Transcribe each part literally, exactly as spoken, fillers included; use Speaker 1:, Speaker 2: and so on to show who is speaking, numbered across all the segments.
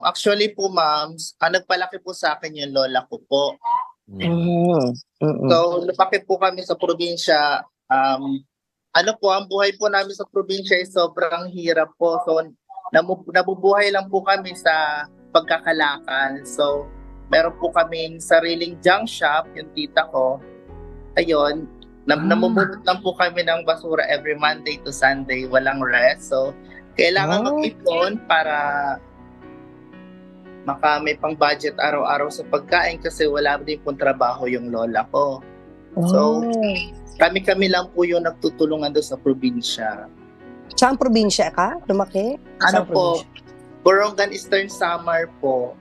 Speaker 1: Actually po, ma'am, ang nagpalaki po sa akin yung lola ko po.
Speaker 2: Hmm, mm.
Speaker 1: So, lumaki po kami sa probinsya. Um, ano po, ang buhay po namin sa probinsya ay sobrang hirap po. So, namu- nabubuhay lang po kami sa pagkakalakal. So, meron po kaming sariling junk shop, yung tita ko. Ayun, nam
Speaker 2: Ah.
Speaker 1: namumulot lang po kami ng basura every Monday to Sunday, walang rest. So, kailangan
Speaker 2: Wow.
Speaker 1: mag-ipon para maka may pang budget araw-araw sa pagkain kasi wala din pong trabaho yung lola ko. So,
Speaker 2: Oh.
Speaker 1: kami-kami lang po yung nagtutulungan doon sa probinsya.
Speaker 2: Saang probinsya ka lumaki?
Speaker 1: Ano
Speaker 2: Saang
Speaker 1: po,
Speaker 2: probinsya?
Speaker 1: Borongan, Eastern Samar po.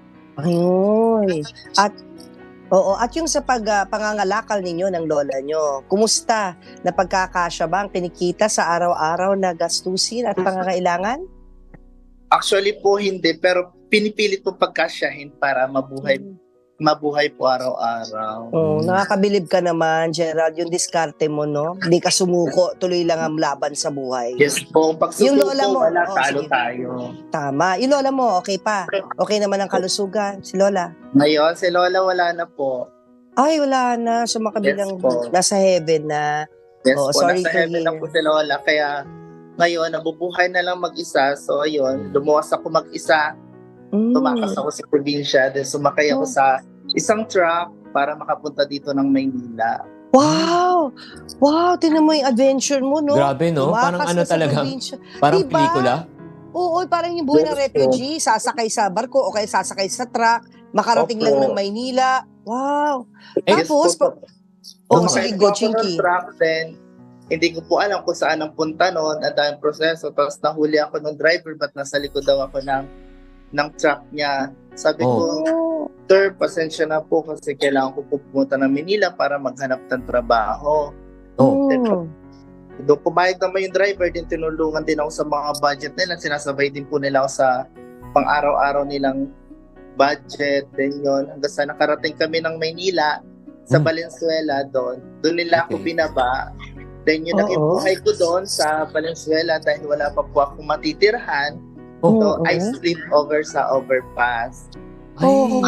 Speaker 2: Ayun. At oo, at yung sa pag ah, pangangalakal ninyo ng lola nyo, kumusta? Napagkakasya ba ang kinikita sa araw-araw na gastusin at pangangailangan?
Speaker 1: Actually po hindi, pero pinipilit po pagkasyahin para mabuhay mabuhay po araw-araw.
Speaker 2: Oh, nakakabilib ka naman, Gerald, yung diskarte mo, no? Hindi ka sumuko, tuloy lang ang laban sa buhay.
Speaker 1: Yes po, pag
Speaker 2: Yung
Speaker 1: susuko,
Speaker 2: lola mo,
Speaker 1: wala,
Speaker 2: oh,
Speaker 1: talo
Speaker 2: sige.
Speaker 1: tayo.
Speaker 2: Tama. Yung lola mo, okay pa? Okay naman ang kalusugan, si lola?
Speaker 1: Ngayon, si lola wala na po.
Speaker 2: Ay, wala na. So, makabilang
Speaker 1: Yes po.
Speaker 2: nasa heaven na.
Speaker 1: Yes
Speaker 2: Oh,
Speaker 1: po,
Speaker 2: sorry
Speaker 1: nasa
Speaker 2: to
Speaker 1: heaven na
Speaker 2: hear.
Speaker 1: po si lola. Kaya ngayon, nabubuhay na lang mag-isa. So ayun, lumuwas ako mag-isa.
Speaker 2: Mm.
Speaker 1: Tumakas ako sa probinsya. Then sumakay ako
Speaker 2: Oh.
Speaker 1: sa isang truck para makapunta dito ng Maynila.
Speaker 2: Wow! Wow, tinan mo yung adventure mo, no?
Speaker 3: Grabe, no?
Speaker 2: Tumakas
Speaker 3: Parang ano
Speaker 2: ka sa
Speaker 3: talaga,
Speaker 2: probinsya.
Speaker 3: parang
Speaker 2: Diba?
Speaker 3: pelikula.
Speaker 2: Oo, parang yung buhay ng
Speaker 1: Yes po.
Speaker 2: refugee, sasakay sa barko o kaya sasakay sa truck, makarating
Speaker 1: Opo.
Speaker 2: lang ng Maynila. Wow!
Speaker 1: Yes
Speaker 2: Tapos,
Speaker 1: po, po.
Speaker 2: oh,
Speaker 1: Sumakay
Speaker 2: sige,
Speaker 1: po
Speaker 2: go,
Speaker 1: ako ng
Speaker 2: Chinky.
Speaker 1: truck, then hindi ko po alam kung saan ang punta noon. Ang daming proseso. Tapos nahuli ako ng driver, ba't nasa likod daw ako ng, ng truck niya. Sabi
Speaker 3: Oh.
Speaker 1: ko,
Speaker 2: Oh.
Speaker 1: sir, pasensya na po kasi kailangan ko po pumunta ng Manila para maghanap ng trabaho.
Speaker 3: Oh.
Speaker 2: Mm.
Speaker 1: Doon pumayag naman yung driver, din tinulungan din ako sa mga budget nila. Sinasabay din po nila ako sa pang-araw-araw nilang budget. Then yun, hanggang sa nakarating kami ng Maynila, sa
Speaker 3: Hmm.
Speaker 1: Valenzuela doon. Doon nila ako
Speaker 3: Okay.
Speaker 1: binaba. Then yun, naging
Speaker 2: Oo.
Speaker 1: buhay ko doon sa Valenzuela dahil wala pa po akong matitirhan.
Speaker 3: Oh.
Speaker 1: So,
Speaker 2: Oo.
Speaker 1: I sleep over sa overpass.
Speaker 3: Ay,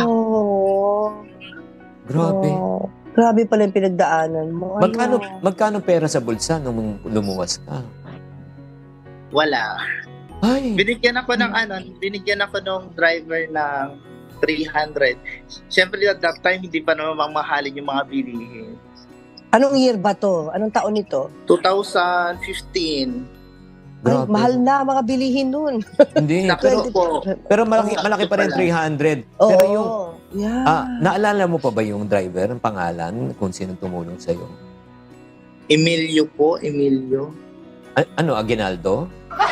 Speaker 2: Oh.
Speaker 3: grabe.
Speaker 2: Oh. Grabe pala yung pinagdaanan mo. Ano?
Speaker 3: Magkano, magkano pera sa bulsa nung lumuwas ka?
Speaker 1: Wala.
Speaker 3: Ay,
Speaker 1: Binigyan ako ng ano, binigyan ako ng driver ng three hundred. Siyempre at that time, hindi pa naman mamahalin yung mga bilihin.
Speaker 2: Anong year ba to? Anong taon nito?
Speaker 1: twenty fifteen.
Speaker 2: Ay,
Speaker 3: grabe.
Speaker 2: mahal na mga bilihin nun.
Speaker 3: Hindi,
Speaker 1: Pero
Speaker 3: pero,
Speaker 1: po,
Speaker 3: pero malaki,
Speaker 1: Oo,
Speaker 3: malaki pa rin
Speaker 1: pala.
Speaker 3: three hundred.
Speaker 2: Oo.
Speaker 3: Pero yung,
Speaker 2: yeah.
Speaker 3: ah, naalala mo pa ba yung driver, ang pangalan, kung sino tumulong sa'yo?
Speaker 1: Emilio po, Emilio.
Speaker 3: A- ano, Aguinaldo?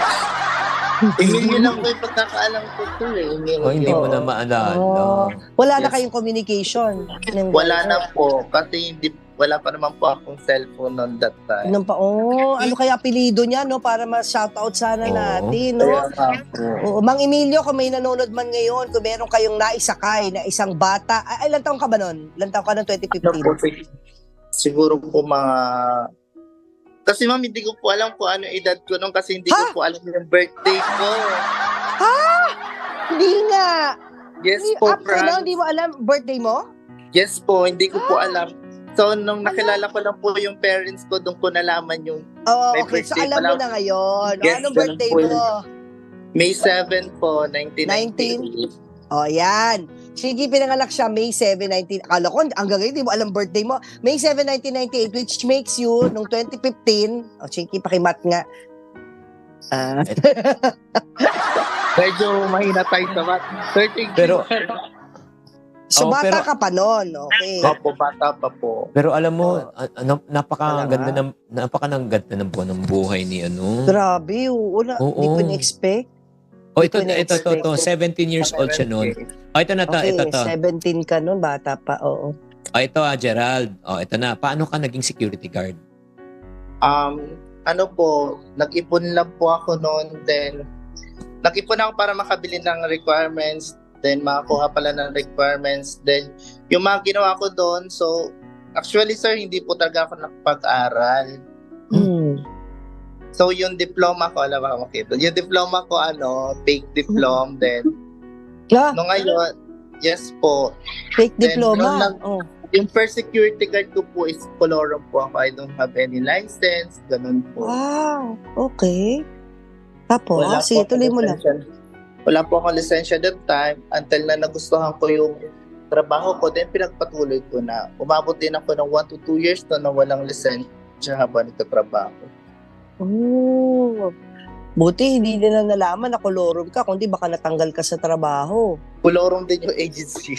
Speaker 1: Emilio lang po yung pagkakaalam ko to eh, Emilio.
Speaker 3: O, hindi mo
Speaker 2: Oo.
Speaker 3: na maalala.
Speaker 2: Oh. Wala na
Speaker 1: Yes.
Speaker 2: kayong communication. ng
Speaker 1: Wala
Speaker 2: driver.
Speaker 1: na po, kasi hindi, wala pa naman po akong cellphone on that time.
Speaker 2: Nung pa, oh, ano kaya apelido niya, no? Para ma-shoutout sana
Speaker 3: Oo.
Speaker 2: natin, no?
Speaker 1: Kaya nga po.
Speaker 2: Oo, Mang Emilio, kung may nanonood man ngayon, kung meron kayong naisakay na isang bata, ay, ilan taong ka ba nun? Ilan taong ka nun, twenty
Speaker 1: Ano po,
Speaker 2: fifteen?
Speaker 1: siguro po mga... Kasi ma'am, hindi ko po alam kung ano edad ko nung kasi hindi
Speaker 2: Ha?
Speaker 1: ko po alam yung birthday ko.
Speaker 2: Hindi nga!
Speaker 1: Yes
Speaker 2: Hindi,
Speaker 1: po,
Speaker 2: up to now,
Speaker 1: Fran.
Speaker 2: hindi mo alam birthday mo?
Speaker 1: Yes po, hindi ko po alam. So, nung nakilala ko lang po yung parents ko, doon ko nalaman yung
Speaker 2: Oo,
Speaker 1: May
Speaker 2: okay. So,
Speaker 1: birthday
Speaker 2: alam mo
Speaker 1: pala.
Speaker 2: na ngayon. O,
Speaker 1: Yes,
Speaker 2: anong
Speaker 1: ganun
Speaker 2: birthday
Speaker 1: po yun.
Speaker 2: mo?
Speaker 1: May seventh po, nineteen ninety-eight.
Speaker 2: O, yan. Sige, pinanganak siya May seventh, nineteen... Akala ko, hanggang ngayon, di mo alam birthday mo. May seventh, nineteen ninety-eight, which makes you, nung twenty fifteen, o, sige, pakimat nga. Ah,
Speaker 1: Medyo mahina tayo sa mat. thirteen
Speaker 3: Pero-
Speaker 2: so,
Speaker 3: Oo,
Speaker 2: bata
Speaker 3: pero-
Speaker 2: ka pa nun, okay.
Speaker 1: Opo, bata pa po.
Speaker 3: Pero alam mo, ah, ano,
Speaker 2: Wala
Speaker 3: napakaganda
Speaker 2: nga.
Speaker 3: ng napakaganda ng buwan ng buhay ni ano.
Speaker 2: Grabe, wala.
Speaker 3: Oo.
Speaker 2: Hindi ko na-expect.
Speaker 3: Oh, ito
Speaker 2: Hindi ko
Speaker 3: ito ito, ito, seventeen years old siya noon. Oh, ito na to,
Speaker 2: Okay,
Speaker 3: ito to.
Speaker 2: seventeen ka nun, bata pa, oo.
Speaker 3: Oh, ito ah, Gerald. Oh, ito na. Paano ka naging security guard?
Speaker 1: Um, ano po, nag-ipon lang po ako noon. Then, nag-ipon ako para makabili ng requirements. Then, makakuha pala ng requirements. Then, yung mga ginawa ko doon, so, actually, sir, hindi po talaga ako nakapag-aral.
Speaker 2: Hmm.
Speaker 1: So, yung diploma ko, alam mo, okay. Yung diploma ko, ano, fake diploma. Then,
Speaker 2: Ah,
Speaker 1: No ngayon, yes po.
Speaker 2: fake
Speaker 1: Then, noon
Speaker 2: diploma.
Speaker 1: lang-
Speaker 2: Oh.
Speaker 1: Yung first security guard ko po is colorum po ako. I don't have any license, ganun po.
Speaker 2: Wow, okay. Tapos,
Speaker 1: Wala
Speaker 2: sige,
Speaker 1: po akong
Speaker 2: tuloy mo lang.
Speaker 1: lisensya. Wala po akong lisensya that time until na nagustuhan ko yung trabaho ko, then pinagpatuloy ko na. Umabot din ako ng one to two years to na walang lisensya habang nagtatrabaho.
Speaker 2: Oh. Buti hindi nila nalaman na kolorum ka, kundi baka natanggal ka sa trabaho.
Speaker 1: Colorum din yung agency.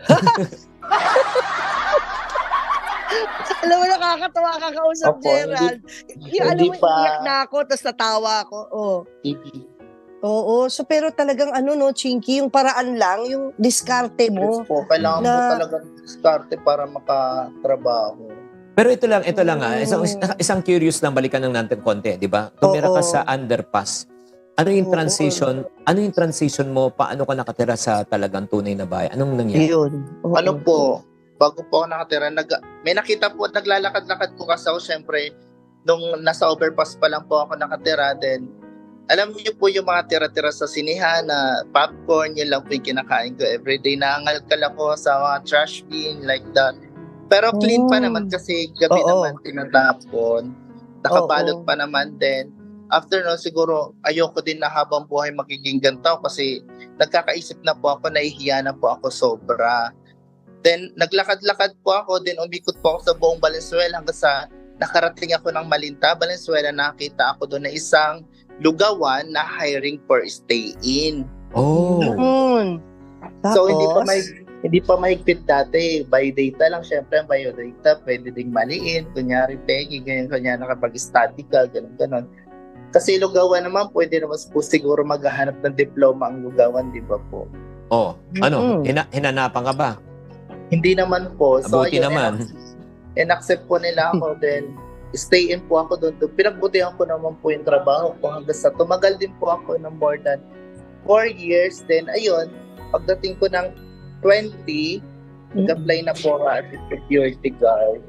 Speaker 2: Alam mo, nakakatawa ka kausap,
Speaker 1: Opo,
Speaker 2: Gerald. Yung, alam
Speaker 1: hindi
Speaker 2: mo,
Speaker 1: pa-
Speaker 2: iyak na ako, tapos natawa ako. Oh.
Speaker 1: T V.
Speaker 2: Oo, so pero talagang ano no, Chinky, yung paraan lang, yung diskarte mo.
Speaker 1: Yes po, kailangan
Speaker 2: Na-
Speaker 1: mo talaga starte para makatrabaho.
Speaker 3: Pero ito lang, ito lang ah. Isang,
Speaker 2: Oo.
Speaker 3: isang curious lang, balikan lang natin konti, di ba? Tumira ka
Speaker 2: Oo.
Speaker 3: sa underpass. Ano yung
Speaker 2: Oo.
Speaker 3: transition? Ano yung transition mo? Paano ka nakatira sa talagang tunay na bahay? Anong nangyari?
Speaker 2: Yun. Oo.
Speaker 1: Ano po, bago po ako nakatira, nag, may nakita po, naglalakad-lakad po kasi ako, syempre, nung nasa overpass pa lang po ako nakatira, then, alam niyo po yung mga tira-tira sa sinihan na popcorn, yun lang po yung kinakain ko everyday. Naangalkal ako sa mga trash bin, like that. Pero clean pa
Speaker 2: Oh.
Speaker 1: naman kasi gabi
Speaker 2: Oo.
Speaker 1: naman tinatapon. Nakabalot
Speaker 2: Oo.
Speaker 1: pa naman din. After no, siguro ayoko din na habang buhay magiging ganito kasi nagkakaisip na po ako, nahihiya na po ako sobra. Then naglakad-lakad po ako, then umikot po ako sa buong Valenzuela hanggang sa nakarating ako ng Malinta, Valenzuela. Nakita ako doon na isang lugawan na hiring for stay-in.
Speaker 3: Oh.
Speaker 2: Yun. Tapos,
Speaker 1: So hindi pa may hindi pa mahigpit dati. By data lang, syempre by data pwede ding maliin. Kunyari Peggy, ganyan, kunyari nakapag-study ka, ganun, ganun. Kasi lugawan naman, pwede naman po siguro maghahanap ng diploma ang lugawan, di ba po?
Speaker 3: Oh. Ano?
Speaker 2: Mm-mm.
Speaker 3: Hina- hinanapan ka ba?
Speaker 1: Hindi naman po. So,
Speaker 3: Mabuti
Speaker 1: ayun,
Speaker 3: naman.
Speaker 1: in- in-accept po nila ako, then stay in po ako doon. Doon pinagbutihan ko naman po yung trabaho ko hanggang sa tumagal din po ako ng more than four years. Then, ayun, pagdating ko ng twenty, nag-apply na po ako as a security guard.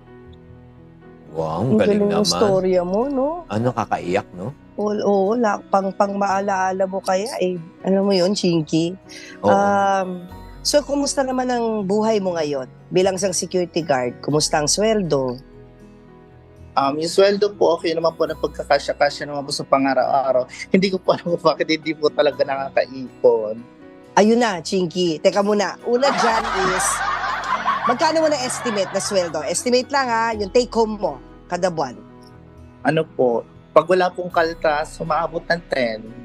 Speaker 3: Wow, ang
Speaker 2: Ang
Speaker 3: galing
Speaker 2: galing ng
Speaker 3: naman.
Speaker 2: storya mo, no?
Speaker 3: Ano, kakaiyak, no?
Speaker 2: Oo, oo la, pang, pang maalaala mo kaya eh. Alam mo yun, Chinky?
Speaker 3: Oo.
Speaker 2: Um, so, kumusta naman ang buhay mo ngayon? Bilang isang security guard, kumusta ang sweldo?
Speaker 1: Um, yung sweldo po, okay naman po na pagkakasya-kasya naman po sa pangaraw-araw. Hindi ko po alam kung bakit hindi po talaga nakakaipon.
Speaker 2: Ayun na, Chinky. Teka muna. Una dyan is, magkano mo na estimate na sweldo? Estimate lang ha, yung take home mo kada buwan.
Speaker 1: Ano po, pag wala pong kaltas, umaabot ng ten.